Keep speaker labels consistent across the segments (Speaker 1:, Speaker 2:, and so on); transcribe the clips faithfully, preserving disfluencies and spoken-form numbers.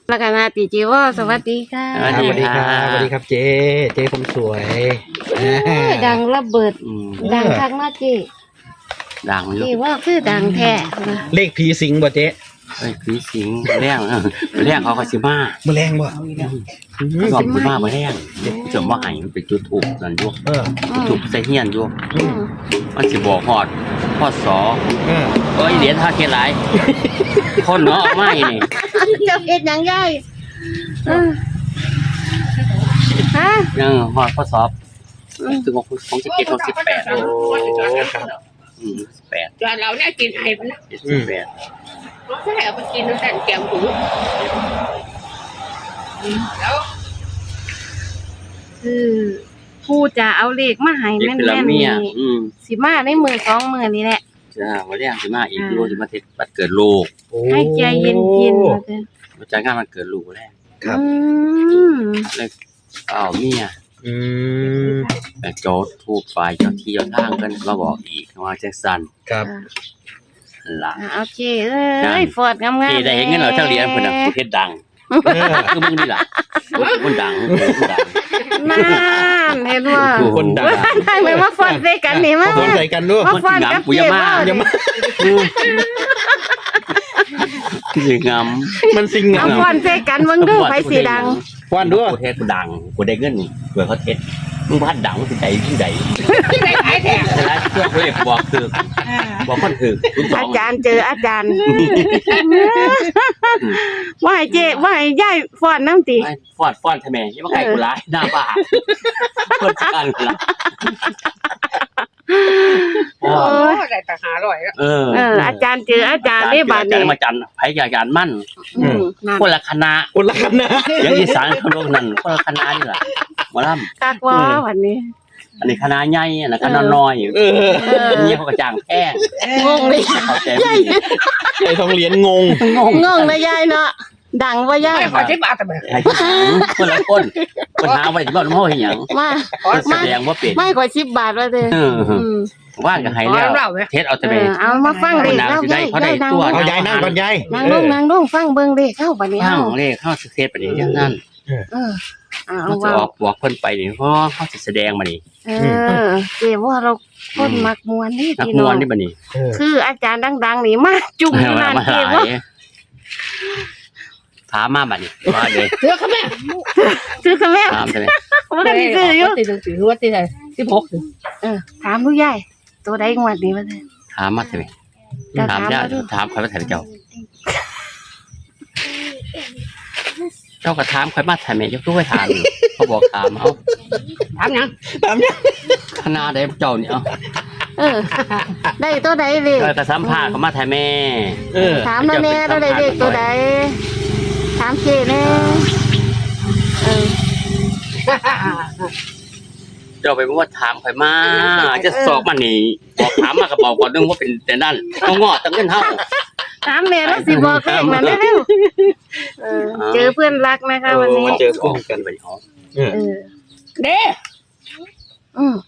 Speaker 1: แล้วก็นาติจิวสวัสดีค่ะ
Speaker 2: สวัสดีครับสวัสดีครับเจ๊เจ๊ผมสวย
Speaker 1: ดังระเบิดดังคักมากจี
Speaker 3: ดังอยู่
Speaker 1: จีว่าคือดังแท้
Speaker 2: เลขผีสิงบ่เจ๊
Speaker 3: เอ้ยผีสิงแรงแรงเขาก็สิมา
Speaker 2: มือแรงบ่
Speaker 3: ชอบสิมาบ่แรงจมว่าให้มันเป็นจุดถูกนั่นอยู่
Speaker 2: เออ
Speaker 3: ถูกใส่เฮียนอยู่มันสิบอกฮอดพอสอ
Speaker 2: เออ
Speaker 3: เอ้ยเหรียญท่าเกหลายคนเนาะเอามาอีนี่
Speaker 1: เจ้าเอ็ดยังไงฮะ
Speaker 3: ยังฮอดพอสอบถึงของของสิบเจ็ดของสิบแปด
Speaker 2: โอ้ครับ
Speaker 3: อืมสิบแปด
Speaker 4: จานเราเนี่ยกินไอ้มัน
Speaker 3: สิบแปด
Speaker 4: เราแค่เอาไปกินแล้วแต่แกงหูแล้ว
Speaker 1: คือผู้จะเอาเลขมาให้
Speaker 3: นี่
Speaker 1: แม่น
Speaker 3: คือละ
Speaker 1: ๆ
Speaker 3: เมี
Speaker 1: นี่
Speaker 3: ยอืม
Speaker 1: สิมาในมือสองมือนี่แหละ
Speaker 3: จ้าบ่แรงสิมาอีกอยู่สิมาเทศบัดเกิดลูก
Speaker 2: โอ้
Speaker 1: ให้ใจเย็นๆว่าเถอะ
Speaker 3: มาจัดงานมันเกิดลูกแรก
Speaker 2: ครับ
Speaker 1: อืม
Speaker 3: เลยอ้าวเมีย
Speaker 2: อืม
Speaker 3: แต่โจทย์ถูกฝ่ายเจ้าที่เจ้าทางกันมาบอกอีกว่าจังซั่น
Speaker 2: ครับ
Speaker 3: ล่ะ
Speaker 1: อ่าโอเคเอ้ยฟอดงามๆ
Speaker 3: ที่ได้เห็นเงินเราเท่าเหรียญเพิ่นน่ะประเทศดัง
Speaker 2: เออ
Speaker 3: คือมึงนี่ล่ะคนดังคนดัง
Speaker 1: นั่นเห็นว่า
Speaker 2: คนดัง
Speaker 1: ทำไมมาฟอนใส่กันนี่มา
Speaker 2: สนใจกันด้วย
Speaker 1: มาฟอนกับเจ๊ว่า
Speaker 2: อย่ามา
Speaker 3: คือสิงาม
Speaker 2: มันสิง
Speaker 1: เอา
Speaker 2: งาม
Speaker 1: ฟอนใส่กันมึงดูไฟสีดัง
Speaker 2: ว่านด้วย
Speaker 3: ประเทศกูดังกูได้เงินนี่เผื่อเขาเทศมึงพัดดังมึงสิใจที่ใด
Speaker 4: ที่ไหนขายแท้
Speaker 3: แต่ละเพื่อนเขาเรียกบอกคือบอกคนคือคุณสอ
Speaker 1: อาง จารย์เจออาจารย์ว่าให้เจ๊ว่าให้ยายฟอนน้ำตี
Speaker 3: ฟอดฟอดทำไมยังมาไก่กูร้ายหน้าบ้าคนกันล่ะ
Speaker 1: โอ้
Speaker 4: โอ้
Speaker 1: ย
Speaker 4: ได้แต่หาอร่อยแล้ว
Speaker 3: เออ
Speaker 1: เอออาจารย์เจออาจารย์ได้บาด
Speaker 3: จั
Speaker 1: เนี่
Speaker 3: นมาจันไผยาจารย์มั่น
Speaker 1: อืมนั่น
Speaker 3: คนละคณะ
Speaker 2: คนละกันนะ
Speaker 3: อย่างอีสานเขาโลกนั้นคนละคณะนี่แหละหมอล
Speaker 1: กักว่าวันนี้
Speaker 3: ำอันนี้คณะใหญ่อันนั้นคณะน้อย
Speaker 2: เออ
Speaker 1: เออ
Speaker 3: อันนี้เขากระจ่างแพง
Speaker 1: งงเลย
Speaker 3: เข้าใจไม่ดี
Speaker 2: ไอ้ทองเหรียญงง
Speaker 3: งง
Speaker 1: งงนะยายเนาะดังว่ายาย
Speaker 4: ไม่ขอใช้บาทแต่แบบ
Speaker 3: ไอ้คนละคนคนหาไว้ที่บ้านพ่อเห็นหยัง
Speaker 1: มา
Speaker 3: คนแสดงว่าเป็น
Speaker 1: ไม่กว่าสิบบาทว่าเด้อ
Speaker 3: เออ
Speaker 1: อืม
Speaker 3: ว่านกับไฮแล้วเทสเอาแต่
Speaker 1: เอ
Speaker 3: ไป
Speaker 1: อเอามาฟังเลข
Speaker 3: นาง
Speaker 1: เล่า
Speaker 3: สิได้
Speaker 1: ยาย
Speaker 3: เขาได้
Speaker 1: ยายนั่ง
Speaker 3: ตัว
Speaker 2: เอายายนั่งก่อนยาย
Speaker 1: นั่งลงนั่งลงฟังเบิ่งเลขเข้าบัดนี้
Speaker 3: ข้า
Speaker 1: เฮา
Speaker 3: งเลขเข้าเทสไปนี่อย่างนั้น
Speaker 1: เออเอา
Speaker 3: เขาจะ
Speaker 1: ว่า
Speaker 3: ออกบอกเพิ่นไปนี่เพราะเขาจะแสดงมานี่
Speaker 1: เออเจ๊ว่าเราคนมักมวนนี่
Speaker 3: นัก
Speaker 1: พี่
Speaker 3: ม
Speaker 1: น้อ
Speaker 3: ว
Speaker 1: ง
Speaker 3: นนี่บัดนี้
Speaker 2: เออ
Speaker 1: คืออาจารย์ดังๆนี่มาจุ่มอยู่
Speaker 3: มา
Speaker 1: นั่น
Speaker 3: มาห
Speaker 1: เจ๊
Speaker 3: ลา
Speaker 1: ว่าย
Speaker 3: ถามมาบัดนี้มาเลย
Speaker 4: เสื้อเขาแม่
Speaker 1: ซื้อค่ะแม่
Speaker 3: ถามใช่ไหม
Speaker 1: บ่ได้ซื้ออยู่
Speaker 4: ตีหนึ่งถือว่าตีไหนสิบหกถึง
Speaker 1: เออถามลูกยายตัวใดงวดนี้ว่าเด้อ
Speaker 3: ถามมาใช่ไหม
Speaker 1: จะ
Speaker 3: ถาม
Speaker 1: ถาม
Speaker 3: ญา
Speaker 1: มา
Speaker 3: ติ
Speaker 1: ดู
Speaker 3: ถามใครมาถ่ายเจ้า เจ้าก็ถามใครมาถ่ายแม่ยกตัวให้ถามอยู่เขาบอกถามเอา
Speaker 4: ถามยัง
Speaker 2: ตามยัง
Speaker 3: คณะใดเจ้านี่เอา
Speaker 1: เออ ได้ตัวใดเลข
Speaker 3: เออกระสัมภาษณ์เขามาถ่ายแม่
Speaker 2: เออ
Speaker 1: ถามแล้วแน่ตัวใดเลขตัวใดถามเจ๊แน่เออ
Speaker 3: เจ้าไปบอกว่าถามใครมาจะสอบมานี่บอกถามมากระเป๋าก่อนนึงว่าเป็นแต่นั่นเขางอตั้งเงินเท่า
Speaker 1: ถามแม่แล้วสิบอกเลขมาเร็วๆเออเจอเพื่อนรักนะคะวันนี้
Speaker 3: เจอคู่กันไปอ๋อ
Speaker 2: เออ
Speaker 1: เออ
Speaker 4: เด้
Speaker 1: อืม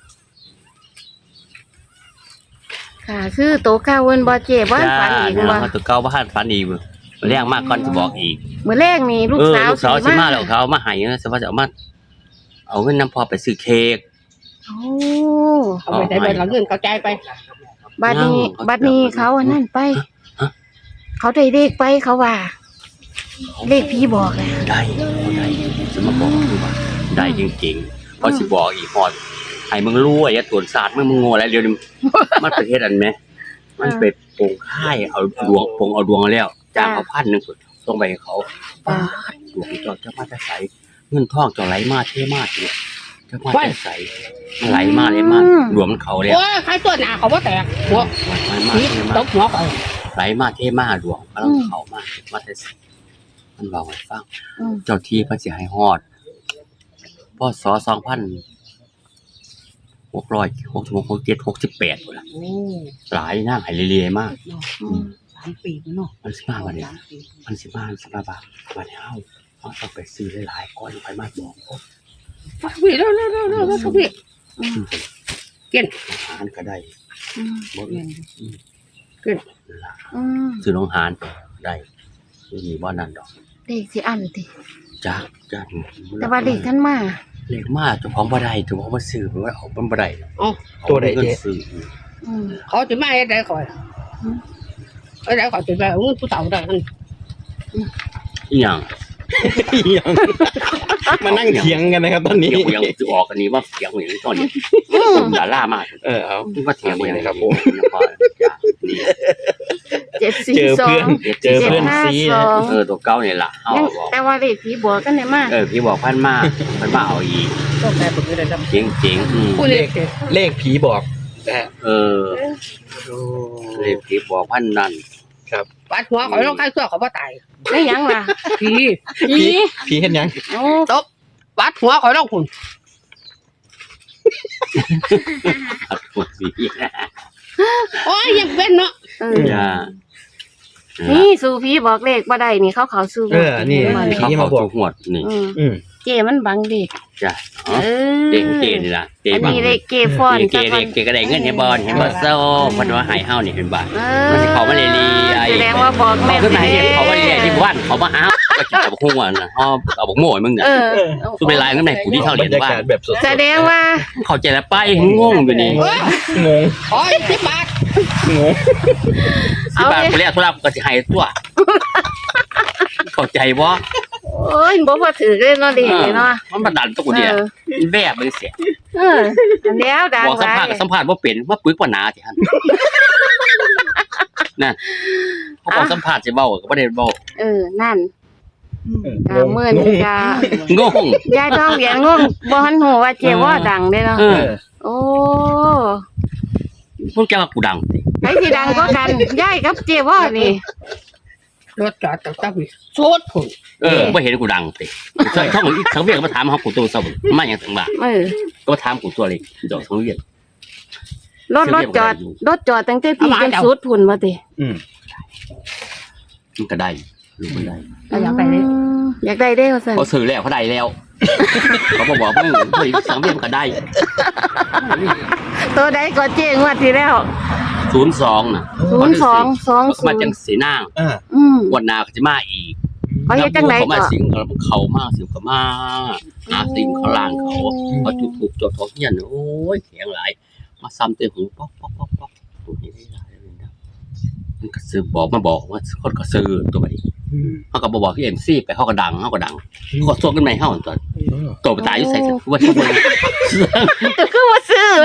Speaker 1: ค่ะคือโตข้าวเวินบ่เจ๊บ่ฝันอีกบ่
Speaker 3: ตัวเก่าบ้านฝันอีกเรื่องมากก่อนจะบอกอีก
Speaker 1: มื้อแรกนี่ลูก
Speaker 3: เออ
Speaker 1: สาว
Speaker 3: ลูกสาวสิมาแล้วเขามาให้นะสว่าจะเอามาเอาเงินน้ำพอไปซื้อเค้ก
Speaker 1: โอ้
Speaker 4: เอาไปใส่ใบหลังเงินกระจายไป
Speaker 1: บัดนี้
Speaker 3: เอา
Speaker 1: บัดนี้เขาอันนั้นไป เขาได้เลขไปเขาว่า เลขพี่บอกแล้ว
Speaker 3: ได้เอาได้จะมาบอกคือว่าได้จริงๆเพราะสิบอกอีกพอให้มึงรู้ไอ้ตัวศาสตร์มึงมึงโง่แล้วเดี๋ยวนี้มันประเทศอันไหมมันไปโปงค่ายเอาดวงปงเอาดวงแล้วจ้างเขาพันหนึ่งส่งไปให้เขาป้าดดวงเจ้าเจ้ามาจะใสเงินทองเจ้าไหลมาเท่มากเลยเจ้ามาจะใสมันไหลมาเลยมากดวงมันเขาแล้ว
Speaker 4: โอ้ยใครตัวหนาเขาว่าแตกหัว
Speaker 3: ไหลมา
Speaker 4: นี่
Speaker 3: เท่
Speaker 4: ต
Speaker 3: มาก
Speaker 4: บหัวไป
Speaker 3: ไหลมาเท่มากดวงกำลังเขามากมาจะใสมันบอกให้ฟัง
Speaker 1: อืม
Speaker 3: เจ้าที่พระเสียให้ฮอดพศสองพันหกร้อยหกสิบหกหกเจ็ดหกสิบแปดหมดละ
Speaker 4: โอ้
Speaker 3: หลายนั่งไหเรียๆมาก
Speaker 1: อืม
Speaker 4: สามปีเนาะ
Speaker 3: มันสิมาวันเนี้ยมันสิมามันสิมาบาวันเนี้ยเฮาเอาต้องไปซื้อหลายๆก้อนไปมาบอกเขา
Speaker 4: พี่เร็วเร็วเร็วเร็วเร็วพี่ กิน
Speaker 3: อาหารก็ได้
Speaker 1: อืม
Speaker 3: บ่
Speaker 4: เงิน
Speaker 1: อืม
Speaker 3: ซื้อน้องหานได้ไม่มีบ่นั่นดอก
Speaker 1: เลขสิอันติ
Speaker 3: จักจัน
Speaker 1: แต่ว่าเลขท่านมา
Speaker 3: เลขมาเจ้าของบ่ได้เจ้าของบ่ซื้อมันเอามันบ่ได้
Speaker 4: อ๋อ
Speaker 2: ตัวใด
Speaker 3: เงิน
Speaker 2: เจ๊
Speaker 3: ซื้อ
Speaker 1: อืม
Speaker 4: เขาจะมาให้ได้ก่อนให้ได้ก่อนจะไปเอาเงินผู้เฒ่าได้นั่น
Speaker 3: อีหยัง
Speaker 2: ยังมานั่งเถียงกันนะครับตอนนี้
Speaker 3: เถียงยังสิออกอันนี้ว่าเถียงอย่างตอนนี้ดารามา
Speaker 2: เออเอา
Speaker 3: ว่าเถียงอย่าง
Speaker 2: ครับผม
Speaker 3: นี่
Speaker 1: เจ็ดสี่
Speaker 2: เจอ
Speaker 1: สอ
Speaker 2: เพื่อง นเจอเพื่อนซี
Speaker 1: เจ็ดห้าสอง
Speaker 3: เออตัวเก่านี่ล่ะเฮา
Speaker 1: ยัง
Speaker 3: บอก
Speaker 1: แต่ว่าเลขผีบัวกันได้มา
Speaker 3: เออพี่บอกพันมาพันมาเอาอีก
Speaker 4: ต้องแต่ผมไม่ได้ท
Speaker 3: เจ๋งเจ๋งๆอืม
Speaker 4: ำผู้เล็ก
Speaker 2: เลขผีบอกนะฮะ
Speaker 3: เออเลขพี่บอกพันนั่น
Speaker 4: ปัดหัวเขาต้องใครเสื้อเขาว่าตาย
Speaker 1: ได้หยังล่ะ
Speaker 4: ผี
Speaker 1: ผี
Speaker 2: ผีเห็นยัง
Speaker 1: โอ้
Speaker 4: ตบปัดหัวเขาต้องคุณ
Speaker 3: อัดหัวสี
Speaker 4: โอ้ยยังเป็นเนาะ
Speaker 1: เออ
Speaker 3: อย่า
Speaker 1: นี่สู่ผีบอกเลขบ่ได้นี่เขาเขาสู่
Speaker 2: เออนี่
Speaker 1: บ่ได้
Speaker 3: เขา
Speaker 2: ผี
Speaker 3: มา
Speaker 2: มา
Speaker 3: บบ อ
Speaker 2: อก ก
Speaker 3: หวดนี่
Speaker 1: อืม
Speaker 2: อืม
Speaker 1: เจมันบังเด็ก
Speaker 3: จ้ะ
Speaker 1: เอ
Speaker 3: อ๋อ
Speaker 1: อ
Speaker 3: เด็กเจนี่ล่ะเจ
Speaker 1: อัน
Speaker 3: บัง
Speaker 1: นี้เลขเกฟอน
Speaker 3: เจเด็กเจก็ได้เงินให้บอลเห็นบ่เซ้ามันว่าให้เฮานี่เห็นบ่
Speaker 1: เอ
Speaker 3: มัน
Speaker 1: อ
Speaker 3: สิเขามาเรียๆไอ้
Speaker 1: แสดงว่าบอก
Speaker 3: เขา
Speaker 1: แม่
Speaker 3: ขึ้นมาเนี่ยเขามาเรียที่บ้านเขามาหาก็กินกับหุ้งอ่ะนะเฮาเอาบักโม่ให้มึงน่ะ
Speaker 1: เออ
Speaker 3: สุดเป็นลายข้างในกูที่เท่า
Speaker 2: บ
Speaker 3: เรี
Speaker 2: ร
Speaker 3: ยน
Speaker 2: รยา
Speaker 3: บ้าน
Speaker 2: กาศแบบสด
Speaker 1: แสดงว่า
Speaker 3: เข้าใจแล้วไปงงอยู่นี่
Speaker 4: เฮ้ย
Speaker 2: ๆงง
Speaker 4: โอ้ยสิบบาท
Speaker 2: งง
Speaker 3: สิบาทกูเรียกธุระกูก็สิให้ตัวเข้าใจบ่
Speaker 1: โอ้ยบ่พอถือเลยเนาะเด็กเนาะ
Speaker 3: มันบันดาลตัวกูเนี่ยแวบเลยเสีย
Speaker 1: เอออันแล้วดัง
Speaker 3: บอกสัม
Speaker 1: หลา
Speaker 3: ภาษ
Speaker 1: ย
Speaker 3: ณ์กับสัมภาษณ์ว่าเป็นว่าปึกว่าหนาสิฮันนั่นเขาบอกสัมภาษณ์สิเว้าก็บ่ได้เว้า
Speaker 1: เออนั่น
Speaker 2: ง
Speaker 1: กาง เมื่อนี่กาง
Speaker 3: ง
Speaker 1: ยายต้องเรียนงงบ่ทันหูว่าเจว่าดังเด้เนาะ
Speaker 3: เอ
Speaker 2: เอ
Speaker 3: อ
Speaker 2: อ
Speaker 1: โอ้
Speaker 3: พวกแกว่ากูดังสิ
Speaker 1: ใครสิดังก็กันยายกับเจว่านี่
Speaker 4: รถจอดตั้งแต่ปีโซดผม
Speaker 3: เออบ่เห็นกูดังสิใช่ช่องอีกสังเวียนก็มาถามเฮากูตัวเซามาหยังสังบ่า
Speaker 1: เออ
Speaker 3: ก็มาถามกูตัวเลยดอกสังเวียน
Speaker 1: รถรถจอดรถจอดตั้งแต่พี่จนสุดพุ่นบ่ติ
Speaker 2: อืม
Speaker 3: มันก็ได้ลูกมันได้
Speaker 4: เราอยากไปเลย
Speaker 1: อืมอยากได้เด้ว่าซั่น
Speaker 3: เขาซื้อแล้วเขาได้แล้วเขาบอกว่ามึงเฮ้ยสังเวียนก็ได้
Speaker 1: ตัวใดก็เจงวดที่แล้ว
Speaker 3: ศูนย์สองน่ะ
Speaker 1: ศูนย์สองสอง
Speaker 3: เขามาจังสีนาง
Speaker 2: อ่า
Speaker 1: อืม
Speaker 3: วันหนาเขาจะมาอีก
Speaker 1: เขาเฮ็ดจังได
Speaker 3: เขา
Speaker 1: ก็
Speaker 3: มาสิงเขาเขามาสิงเขามาหาสิงเขาล่างเขาเขาจุดถูกจดทองเฮียนโอ้ยเสียงหลายมาซ้ำเตะหูป๊อกป๊อกป๊อกป๊อกตัวนี้ได้หลายเลยนะมันก็ซื้อบอกมาบอกว่าคนก็ซื้อตัวนี้
Speaker 2: อืม
Speaker 3: เขาก็บอกบอกที่เอ็มซีไปเขาก็ดังเขาก็ดังเขาก็ส่งขึ้นมาให้เขาตอน
Speaker 2: เออ
Speaker 3: ตัวไปตายอยู่ใส่ว่าที่มัน
Speaker 1: ก็คือว่าซื้อ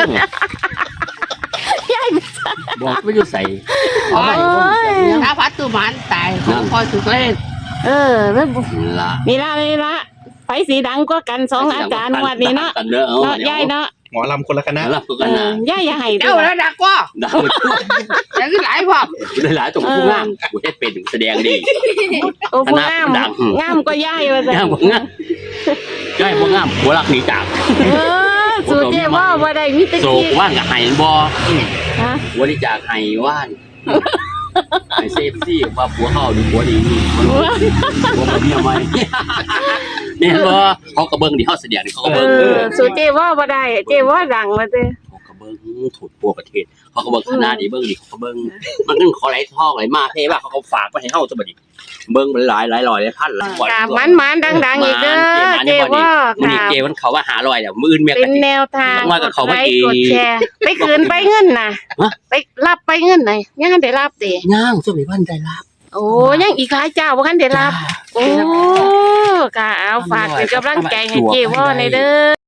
Speaker 3: บอกไม่อยู่ใส่
Speaker 1: โอ้ย
Speaker 4: ถ้าพัดตัวมันตายเขาคอยสุดเล่น
Speaker 1: เออแล้ว
Speaker 3: ละ
Speaker 1: นี่ละนี่ละไฟสีดังก็กันสองอาจารย์งวดนี้เนาะ
Speaker 3: กันเนอะ
Speaker 1: เนาะยายเนาะ
Speaker 2: หมอลำคนละคณะ
Speaker 3: แล้วก็
Speaker 1: เอ
Speaker 3: กันนะ
Speaker 1: อยายอย่าให้
Speaker 4: เดี๋
Speaker 1: ด้
Speaker 4: ยว
Speaker 1: วย
Speaker 4: แล้วดักว่า
Speaker 3: ดัง
Speaker 4: แต่ก็หลายพร้อม
Speaker 3: หลายๆตัวผู้งามกูเฮ็ดเป็นแสดงดี
Speaker 1: โอ้ผู้งาม
Speaker 3: ดัง
Speaker 1: งามก็ยายว่าซั่
Speaker 3: งาม
Speaker 1: น
Speaker 3: บ่งามย่ายบ่งามหัวรักหนีจาก
Speaker 1: เออสูเจว่าบ่ได้มีแตะ
Speaker 3: โศก
Speaker 1: กี้
Speaker 3: ว่างกับไห้บ่
Speaker 1: ฮะ
Speaker 3: บริจาคไห้ว่านไห้เซฟซี่ว่าผัวเขาดูผัวดีนี่มันผัวบ่มีอะไรเนี่ยบ่เขาก็เบิ่งดิเฮาแสดงนี่เขาก็
Speaker 1: เอ
Speaker 3: เบิ่ง
Speaker 1: อสูเจว่าบ่ได้เจว่าดังว่าเด้
Speaker 3: เขาก็เบิ่งถูกทั่วประเทศเขาก็เบิ่งคณะนี้เบิ่งดิเขาก็เบิ่งมันนึงเขาไหลทองไหลมาเท่ว่าเขาก็ฝากไปให้เฮาซะบัดนี้เบิ่งมันหลายหลายร้อยหลายพันหลาย
Speaker 1: กามันมันดังๆอีกเด้อเจว่า
Speaker 3: มื้อนี้
Speaker 1: ค่ะ
Speaker 3: เกมันเขาว่าหาร้อยแล้วมื้ออื่นแม่
Speaker 1: เป็
Speaker 3: ก็
Speaker 1: น
Speaker 3: สิ
Speaker 1: แนวทาง
Speaker 3: ว่ากับเขา
Speaker 1: กด
Speaker 3: เมื่
Speaker 1: ไล
Speaker 3: อกี้
Speaker 1: ค์กดแชร์ไปคืนไปเงินน่ะ
Speaker 3: ฮะ
Speaker 1: ไปรับไปเงินหน่อยยังได้รับติ
Speaker 3: ย่างซุมีพันได้รับ
Speaker 1: โอ้ยังอีกหลายเจ้าบ่คันได้รับ โอ้ค่ะเอาฝากเป็นกำลังใจให้เจว่าในอยเด้อ